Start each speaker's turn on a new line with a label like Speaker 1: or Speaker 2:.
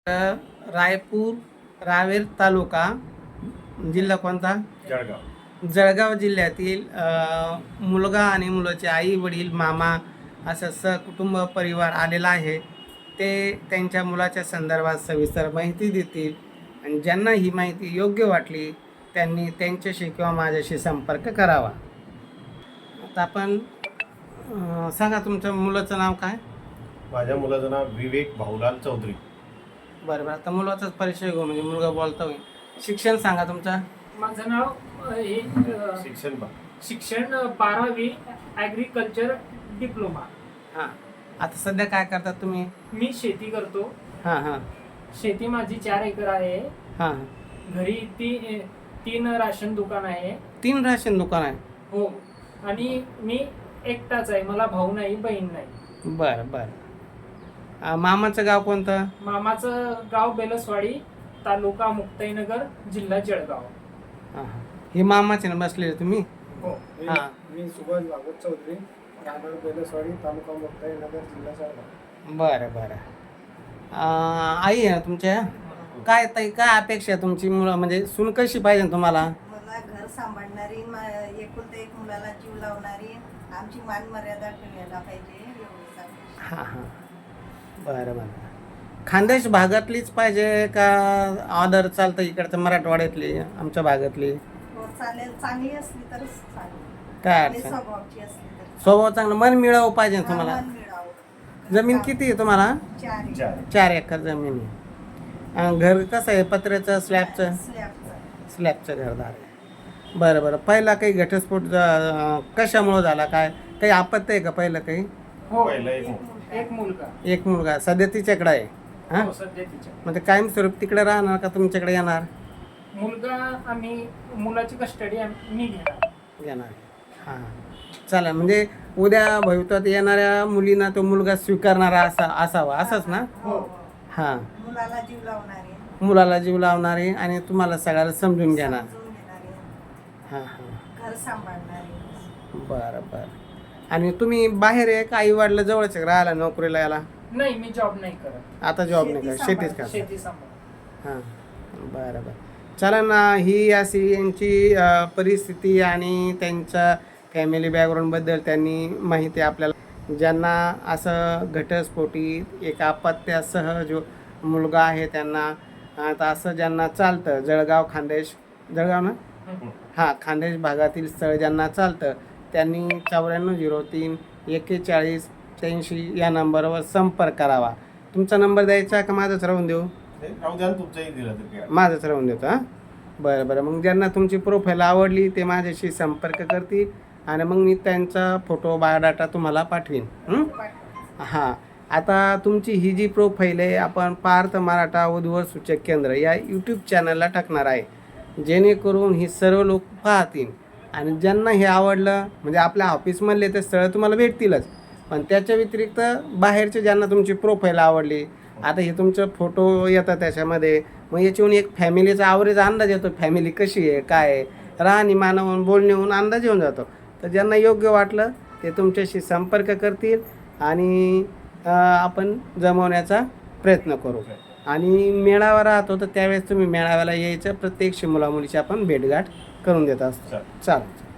Speaker 1: रायपूर रावेर तालुका जिल्हा कोणता?
Speaker 2: जळगाव.
Speaker 1: जळगाव जिल्ह्यातील मुलगा आणि मुलाचे आई वडील मामा असं सहकुटुंब परिवार आलेला आहे. ते त्यांच्या मुलाच्या संदर्भात सविस्तर माहिती देतील आणि ज्यांना ही माहिती योग्य वाटली त्यांनी त्यांच्याशी किंवा माझ्याशी संपर्क करावा. आता आपण सांगा तुमच्या मुलाचं नाव काय?
Speaker 2: माझ्या मुलाचं नाव विवेक भाऊलाल चौधरी.
Speaker 1: बरं आता मुलाचाच परिचय घेऊ म्हणजे मुलगा बोलता होईल. शिक्षण सांगा तुमचं.
Speaker 3: माझं नाव शिक्षण 12वी ॲग्रिकल्चर डिप्लोमा.
Speaker 1: हां आता सध्या काय करतात तुम्ही?
Speaker 3: मी शेती करतो.
Speaker 1: हां
Speaker 3: शेती माझी 4 एकर आहे.
Speaker 1: हां
Speaker 3: घरी तीन राशन दुकान आहे.
Speaker 1: 3 राशन दुकान आहे.
Speaker 3: हो, आणि मी एकटाच आहे, मला भाऊ नाही बहीण नाही.
Speaker 1: बरं मामाचं गाव कोणतं?
Speaker 3: मामाचं गाव बेलसवाडी, तालुका मुक्ताईनगर, जिल्हा जळगाव.
Speaker 1: हां हे मामाचे ना बसलेले तुम्ही?
Speaker 3: हो.
Speaker 1: हां
Speaker 4: मी सुभाष भागवत चौधरी, राहणार बेलसवाडी, तालुका मुक्ताईनगर, जिल्हा जळगाव.
Speaker 1: बरं आई आहे तुमच्या? काय ताई काय अपेक्षा आहे तुमची? मुलं म्हणजे सून कशी पाहिजे तुम्हाला?
Speaker 5: मला घर सांभाळणारी, एकुलता एक मुलाला जीव लावणारी, आमची मान मर्यादा ठेवायला पाहिजे एवढीच अपेक्षा.
Speaker 1: हां बरं खानदेश भागातलीच पाहिजे का ऑदर चालतं इकडचं मराठवाड्यातली आमच्या भागातली?
Speaker 5: हो चालेल, चांगली असली तरच चालेल.
Speaker 1: काय
Speaker 5: आणि
Speaker 1: अडचण?
Speaker 5: स्वभावची असली तर
Speaker 1: स्वभाव चांगलं, मन मिळावं पाहिजे ना तुम्हाला.
Speaker 5: मन मिळावं.
Speaker 1: जमीन किती आहे तुम्हाला?
Speaker 5: 4
Speaker 1: 4 एकर जमीन आहे. घर कसं आहे? पत्र्याचं स्लॅबचं? स्लॅबचं घरदार आहे. बरं पहिला काही घटस्फोट कशामुळं झाला? काय काही आपत्ती आहे का पहिलं काही?
Speaker 3: हो,
Speaker 2: पहिला
Speaker 3: एक
Speaker 1: मुलगा सध्या तिच्याकडे आहे. हां
Speaker 3: हो, सध्या तिच्या
Speaker 1: मग ते कायमस्वरूप तिकडे राहणार का तुमच्याकडे येणार?
Speaker 3: मुलगा आम्ही मुलाची कस्टडी मी
Speaker 1: येणार. हां चला म्हणजे उद्या भविष्यात येणाऱ्या मुलींना तो मुलगा स्वीकारणारा असावा असंच ना?
Speaker 3: हो.
Speaker 1: हां
Speaker 5: मुलाला जीव लावणारी,
Speaker 1: मुलाला जीव लावणारी आणि तुम्हाला सगळ्याला समजून घेणार.
Speaker 5: समजून घेणारी,
Speaker 1: हां
Speaker 5: घर सांभाळणारी.
Speaker 1: बरं आणि तुम्ही बाहेर आहे का आई वडिला जवळच राहायला नोकरीला याला?
Speaker 3: नाही, मी जॉब नाही करत.
Speaker 1: आता जॉब नाही करत, शेतीच करता.
Speaker 3: शेती सांभाळ.
Speaker 1: हां बरं चला ना. ही अशी यांची परिस्थिती आणि त्यांच्या फॅमिली बॅकग्राऊंडबद्दल त्यांनी माहिती आपल्याला. ज्यांना असं घटस्फोटी एक अपत्यासह जो मुलगा आहे त्यांना आता असं ज्यांना चालतं, जळगाव ना? हां खानदेश भागातील स्थळ ज्यांना चालतं त्यांनी 9403 41 83 या नंबरवर संपर्क करावा. तुमचा नंबर द्यायचा का माझाच राहून देऊ? माझंच राहून देतो. हां बरं मग ज्यांना तुमची प्रोफाईल आवडली ते माझ्याशी संपर्क करतील आणि मग मी त्यांचा फोटो बायोडाटा तुम्हाला पाठवीन. हां आता तुमची ही जी प्रोफाईल आहे आपण पार्थ मराठा वधूवर सूचक केंद्र या यूट्यूब चॅनलला टाकणार आहे, जेणेकरून ही सर्व लोक पाहतील आणि ज्यांना हे आवडलं म्हणजे आपल्या ऑफिसमधले ते स्थळं तुम्हाला भेटतीलच, पण त्याच्या व्यतिरिक्त बाहेरचे ज्यांना तुमची प्रोफाईल आवडली, आता हे तुमचं फोटो येतात त्याच्यामध्ये, मग याच्याहून एक फॅमिलीचा ॲव्हरेज अंदाज येतो, फॅमिली कशी आहे काय आहे, राहणीमानावरून बोलण्याहून अंदाज येऊन जातो. तर ज्यांना योग्य वाटलं ते तुमच्याशी संपर्क करतील आणि आपण जमवण्याचा प्रयत्न करू. आणि मेळावा राहतो तर त्यावेळेस तुम्ही मेळाव्याला यायचं, प्रत्येक मुलामुलीची आपण भेटगाठ करून देत असतो. चालेल.